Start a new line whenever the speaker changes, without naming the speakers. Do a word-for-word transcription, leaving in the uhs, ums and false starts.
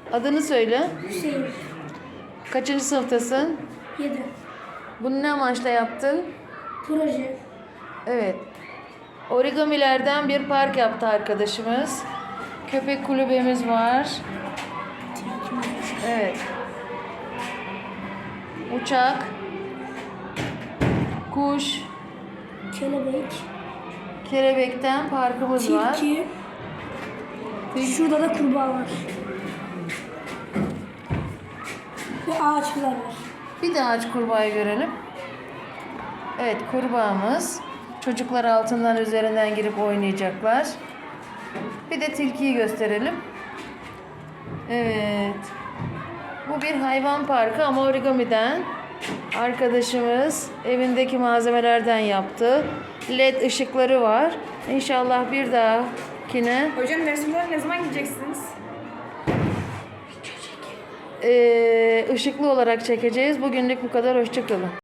Adını söyle.
Hüseyin.
Kaçıncı sınıftasın?
yedi.
Bunu ne amaçla yaptın?
Proje.
Evet. Origamilerden bir park yaptı arkadaşımız. Köpek kulübemiz var. Evet. Uçak. Kuş.
Kelebek.
Kelebekten parkımız var.
Tilki. Şurada da kurbağa var. Ve ağaçlar var.
Bir de ağaç kurbağayı görelim. Evet, kurbağamız. Çocuklar altından üzerinden girip oynayacaklar. Bir de tilkiyi gösterelim. Evet. Bu bir hayvan parkı ama origamiden. Arkadaşımız evindeki malzemelerden yaptı. Led ışıkları var. İnşallah bir dahakine
Hocam resimleri ne zaman gideceksiniz?
eee, ışıklı olarak çekeceğiz. Bugünlük bu kadar. Hoşça kalın.